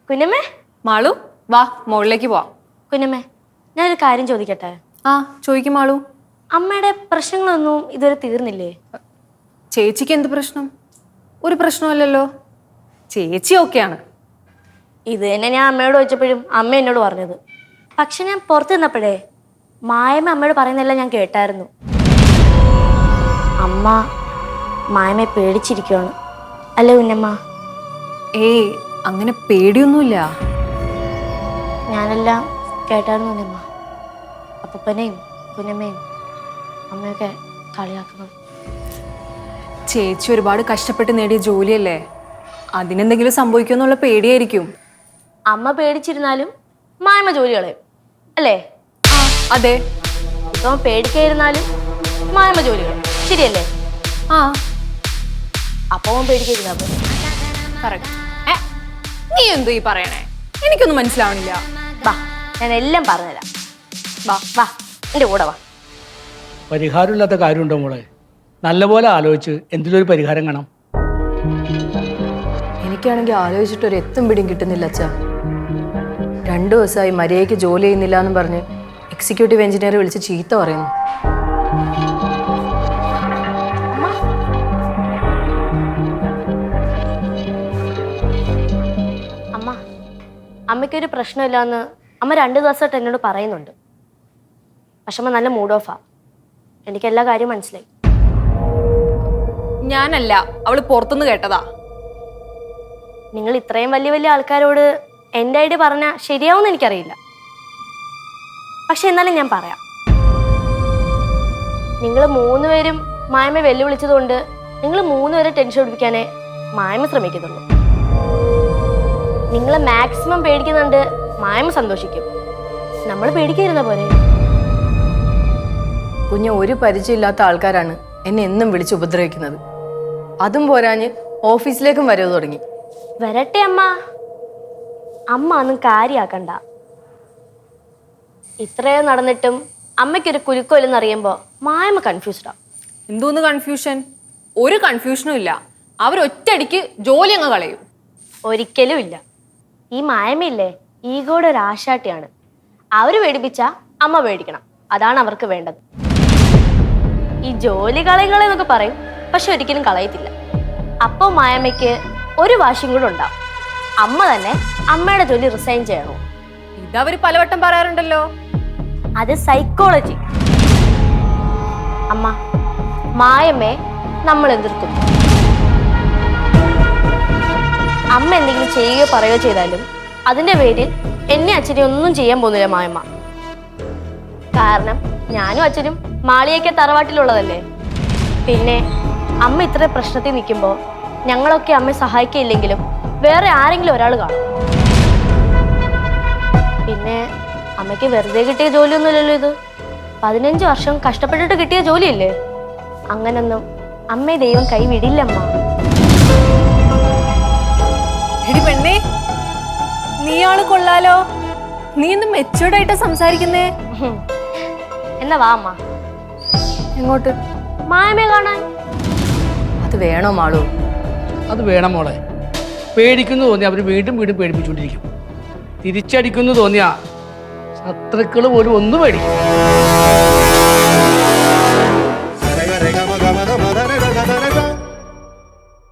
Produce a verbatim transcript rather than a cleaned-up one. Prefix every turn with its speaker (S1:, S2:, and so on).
S1: കുഞ്ഞമ്മേ
S2: മാളു വാ മുകളിലേക്ക് പോവാം.
S1: കുഞ്ഞമ്മേ ഞാനൊരു കാര്യം ചോദിക്കട്ടെ?
S2: ആ ചോദിക്കും മാളു.
S1: അമ്മയുടെ പ്രശ്നങ്ങളൊന്നും ഇതുവരെ തീർന്നില്ലേ?
S2: ചേച്ചിക്ക് എന്ത് പ്രശ്നം? ഒരു പ്രശ്നമല്ലല്ലോ, ചേച്ചി ഓക്കെയാണ്.
S1: ഇത് തന്നെ ഞാൻ അമ്മയോട് ചോദിച്ചപ്പോഴും അമ്മ എന്നോട് പറഞ്ഞത്. പക്ഷെ ഞാൻ പുറത്ത് നിന്നപ്പോഴേ മായമ്മ അമ്മയോട് പറയുന്നതെല്ലാം ഞാൻ കേട്ടായിരുന്നു. അമ്മ മായമ്മയെ പേടിച്ചിരിക്കുകയാണ് അല്ലേ കുഞ്ഞമ്മ?
S2: ഏയ് അങ്ങനെ പേടിയൊന്നുമില്ല.
S1: ഞാനെല്ലാം കേട്ടായിരുന്നു കുഞ്ഞമ്മ. അപ്പൂപ്പനെയും കുഞ്ഞമ്മയും അമ്മയൊക്കെ കളിയാക്കുന്നത്.
S2: ചേച്ചി ഒരുപാട് കഷ്ടപ്പെട്ട് നേടിയ ജോലിയല്ലേ, അതിനെന്തെങ്കിലും സംഭവിക്കുമെന്നുള്ള പേടിയായിരിക്കും.
S1: അമ്മ പേടിച്ചിരുന്നാലും മായമ്മ ജോലി കളയും അല്ലേ?
S2: ആ അതെ.
S1: ഇപ്പൊ പേടിക്കാതിരുന്നാലും മായമ്മ ജോലി കളയും, ശരിയല്ലേ?
S2: ആ
S1: അപ്പൊ പേടിക്കാതിരുന്നാ പോലെ.
S2: കറക്റ്റ്. ഏ നീ എന്തോ ഈ പറയണേ? എനിക്കൊന്നും മനസ്സിലാവണില്ല.
S1: വാ ഞാൻ എല്ലാം പറഞ്ഞുതരാം.
S2: വാ
S1: വാ എൻ്റെ കൂടെ വാ.
S3: പരിഹാരമില്ലാത്ത കാര്യമുണ്ടോ മോളെ? നല്ലപോലെ ആലോചിച്ച് എന്തിലൊരു പരിഹാരം കാണാം.
S4: എനിക്കാണെങ്കിൽ ആലോചിച്ചിട്ട് ഒരു എത്തും പിടിയും കിട്ടുന്നില്ല അച്ഛാ. രണ്ടു ദിവസമായി മര്യാദയ്ക്ക് ജോലി ചെയ്യുന്നില്ല എന്ന് പറഞ്ഞ് എക്സിക്യൂട്ടീവ് എഞ്ചിനീയർ വിളിച്ച് ചീത്ത പറയുന്നു.
S1: അമ്മ അമ്മയ്ക്കൊരു പ്രശ്നമില്ലാന്ന് അമ്മ രണ്ടു ദിവസമായിട്ട് എന്നോട് പറയുന്നുണ്ട്. പക്ഷെ അമ്മ നല്ല മൂഡ് ഓഫാ. എനിക്കെല്ലാ കാര്യം മനസ്സിലായി.
S2: ഞാനല്ല, അവള് പുറത്തുനിന്ന് കേട്ടതാ.
S1: നിങ്ങൾ ഇത്രയും വലിയ വലിയ ആൾക്കാരോട് എൻ്റെ ഐഡിയ പറഞ്ഞാൽ ശരിയാവുമെന്ന് എനിക്കറിയില്ല. പക്ഷെ എന്നാലും ഞാൻ പറയാം. നിങ്ങൾ മൂന്നുപേരും മായമ്മ വെല്ലുവിളിച്ചതുകൊണ്ട് നിങ്ങൾ മൂന്നുപേരെ ടെൻഷൻ പിടിപ്പിക്കാനേ മായമ്മ ശ്രമിക്കുന്നുള്ളൂ. നിങ്ങൾ മാക്സിമം പേടിക്കുന്നുണ്ട് മായമ്മ സന്തോഷിക്കും. നമ്മൾ പേടിക്കാതിരുന്ന പോലെ.
S4: കുഞ്ഞ് ഒരു പരിചയമില്ലാത്ത ആൾക്കാരാണ് എന്നെ എന്നും വിളിച്ച് ഉപദ്രവിക്കുന്നത്. അതും പോരാഞ്ഞ് ഓഫീസിലേക്കും വരവ് തുടങ്ങി.
S1: വരട്ടെ അമ്മ, അമ്മ ഒന്നും കാര്യാക്കണ്ട. ഇത്രയും നടന്നിട്ടും അമ്മയ്ക്കൊരു കുലുക്കമില്ലെന്ന് അറിയുമ്പോൾ മായമ്മ കൺഫ്യൂസ്ഡാ.
S2: എന്തോന്ന് കൺഫ്യൂഷൻ? ഒരു കൺഫ്യൂഷനും ഇല്ല. അവരൊറ്റയടിക്ക് ജോലി അങ്ങ് കളയും.
S1: ഒരിക്കലും ഇല്ല. ഈ മായമ്മയില്ലേ ഈഗോയുടെ ഒരു ആശാട്ടിയാണ്. അവര് പേടിപ്പിച്ച അമ്മ പേടിക്കണം, അതാണ് അവർക്ക് വേണ്ടത്. ഈ ജോലി കളയുകളെന്നൊക്കെ പറയും, പക്ഷെ ഒരിക്കലും കളയത്തില്ല. അപ്പൊ മായമ്മയ്ക്ക് ഒരു വാശിയും കൂടെ ഉണ്ടാവും. അമ്മ തന്നെ അമ്മയുടെ ജോലി റിസൈൻ ചെയ്യണോ?
S2: ഇതവര് പലവട്ടം പറയാറുണ്ടല്ലോ.
S1: അത് സൈക്കോളജി. അമ്മ മായമ്മയെ നമ്മൾ എതിർക്കുന്നു. അമ്മ എന്തെങ്കിലും ചെയ്യുകയോ പറയുകയോ ചെയ്താലും അതിന്റെ പേരിൽ എന്നെ അച്ഛനെ ഒന്നും ചെയ്യാൻ പോകുന്നില്ല മായമ്മ. കാരണം ഞാനും അച്ഛനും മാളിയൊക്കെ തറവാട്ടിലുള്ളതല്ലേ. പിന്നെ അമ്മ ഇത്ര പ്രശ്നത്തിൽ നിൽക്കുമ്പോൾ ഞങ്ങളൊക്കെ അമ്മയെ സഹായിക്കില്ലെങ്കിലും വേറെ ആരെങ്കിലും ഒരാൾ കാണും. പിന്നെ അമ്മയ്ക്ക് വെറുതെ കിട്ടിയ ജോലിയൊന്നുമില്ലല്ലോ ഇത്. പതിനഞ്ച് വർഷം കഷ്ടപ്പെട്ടിട്ട് കിട്ടിയ ജോലിയല്ലേ. അങ്ങനൊന്നും അമ്മയെ ദൈവം കൈവിടില്ലമ്മ.
S2: എടി പെണ്ണേ, നീയാള് കൊള്ളാലോ. നീ ഒന്ന് മെച്ചൂർഡായിട്ടാ സംസാരിക്കുന്നേ.
S1: എന്നാ വാ അമ്മ.
S4: എങ്ങോട്ട്?
S1: മായമ്മയെ കാണാൻ.
S4: അത് വേണോ മാളു?
S3: അത് വേണം മോളെ. പേടിക്കുന്നു തോന്നിയാൽ അവർ വീണ്ടും വീണ്ടും പേടിപ്പിച്ചുകൊണ്ടിരിക്കും. തിരിച്ചടിക്കുന്നു തോന്നിയാ ശത്രുക്കൾ പോലും ഒന്ന് പേടിക്കും.